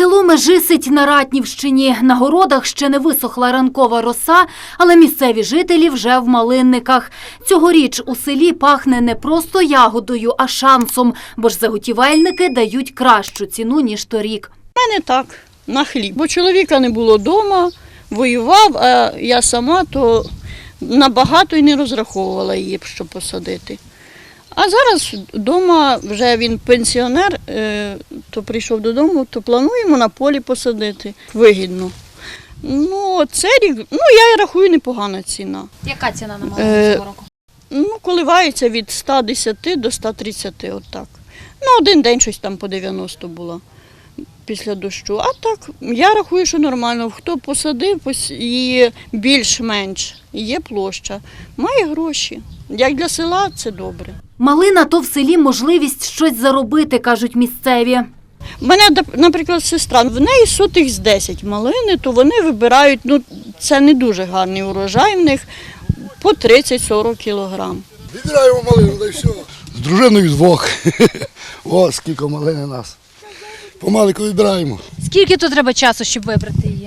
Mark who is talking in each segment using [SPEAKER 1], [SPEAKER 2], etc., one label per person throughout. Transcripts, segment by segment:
[SPEAKER 1] Село Межисить на Ратнівщині. На городах ще не висохла ранкова роса, але місцеві жителі вже в малинниках. Цьогоріч у селі пахне не просто ягодою, а шансом, бо ж заготівельники дають кращу ціну, ніж торік.
[SPEAKER 2] У мене так, на хліб. Бо чоловіка не було вдома, воював, а я сама то набагато й не розраховувала її, щоб посадити. А зараз вдома, вже він пенсіонер, то прийшов додому, то плануємо на полі посадити. Вигідно. Ну, це рік, я рахую, непогана ціна.
[SPEAKER 1] Яка ціна на малину цього року?
[SPEAKER 2] Коливається від 110 до 130, отак. Один день щось там по 90 було після дощу. А так, я рахую, що нормально. Хто посадив, її більш-менш, є площа, має гроші. Як для села це добре.
[SPEAKER 1] Малина – то в селі можливість щось заробити, кажуть місцеві.
[SPEAKER 2] У мене, наприклад, сестра, в неї сотих з 10 малини, то вони вибирають, це не дуже гарний урожай в них, по 30-40 кілограм.
[SPEAKER 3] Вибираємо малину, та й все. З дружиною двох. О, скільки малини нас. Помаленьку вибираємо.
[SPEAKER 1] Скільки то треба часу, щоб вибрати її?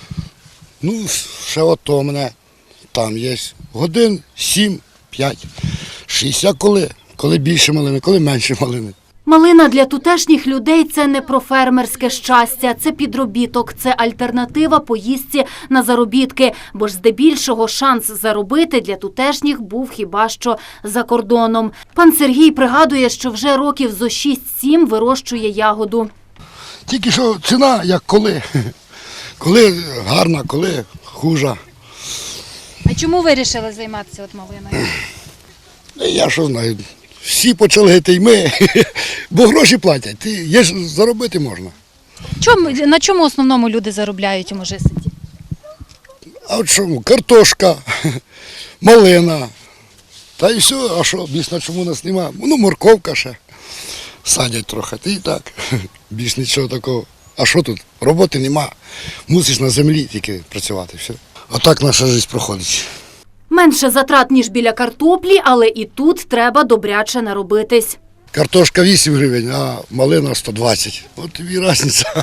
[SPEAKER 3] Ще от то в мене там є. Годин 7, 5, 6. А коли більше малини, коли менше малини.
[SPEAKER 1] Малина для тутешніх людей – це не про фермерське щастя, це підробіток, це альтернатива поїздці на заробітки, бо ж здебільшого шанс заробити для тутешніх був хіба що за кордоном. Пан Сергій пригадує, що вже років зо 6-7 вирощує ягоду.
[SPEAKER 3] Тільки що ціна, як коли. Коли гарна, коли хужа.
[SPEAKER 1] А чому вирішили займатися малиною?
[SPEAKER 3] Я що знаю, всі почали гити й ми, бо гроші платять, є ж заробити можна.
[SPEAKER 1] На чому основному люди заробляють у Межиситі?
[SPEAKER 3] А от чому? Картошка, малина, та й все, а що, більш на чому нас нема? Морковка ще садять трохи, і так, більш нічого такого. А що тут? Роботи нема, мусиш на землі тільки працювати, все. Отак наша життя проходить.
[SPEAKER 1] Менше затрат, ніж біля картоплі, але і тут треба добряче наробитись.
[SPEAKER 3] Картошка 8 гривень, а малина 120. От тобі різниця.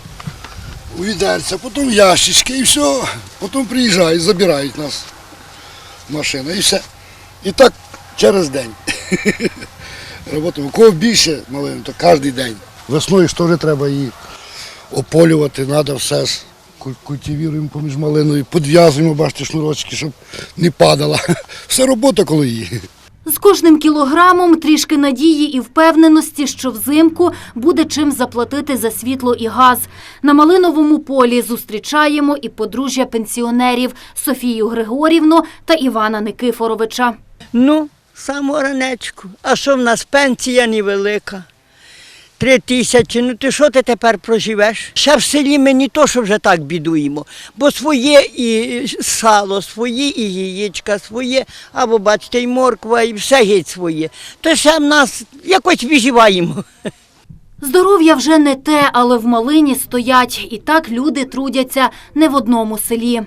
[SPEAKER 3] У відерця, потім ящички і все. Потім приїжджають, забирають нас машина і все. І так через день. Роботимо. У кого більше малини, то кожен день. Весною ж теж треба її ополювати, треба все. Культивуємо поміж малиною, підв'язуємо, бачите, шнурочки, щоб не падала. Все робота коло її.
[SPEAKER 1] З кожним кілограмом трішки надії і впевненості, що взимку буде чим заплатити за світло і газ. На малиновому полі зустрічаємо і подружжя пенсіонерів Софію Григорівну та Івана Никифоровича.
[SPEAKER 4] Саму ранечку. А що в нас пенсія невелика? 3 тисячі, ти що ти тепер проживеш? Ще в селі ми не то, що вже так бідуємо, бо своє і сало, своє і яєчка, своє, або бачите, і морква, і все геть своє. То ще в нас якось виживаємо.
[SPEAKER 1] Здоров'я вже не те, але в малині стоять. І так люди трудяться не в одному селі.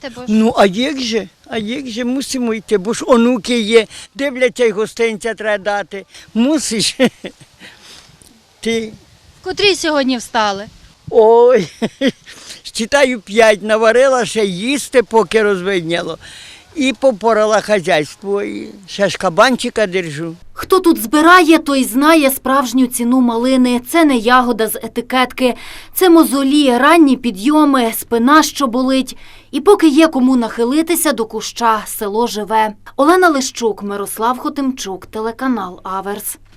[SPEAKER 4] А як же мусимо йти, бо ж онуки є, дивляться й гостинця треба дати. Мусиш. Ти.
[SPEAKER 1] Котрі сьогодні встали?
[SPEAKER 4] Ой, считаю 5, наварила ще їсти, поки розвидняло. І попорала хазяйство, і ще ж кабанчика держу.
[SPEAKER 1] Хто тут збирає, той знає справжню ціну малини. Це не ягода з етикетки. Це мозолі, ранні підйоми, спина, що болить. І поки є кому нахилитися до куща, село живе. Олена Лищук, Мирослав Хотимчук, телеканал Аверс.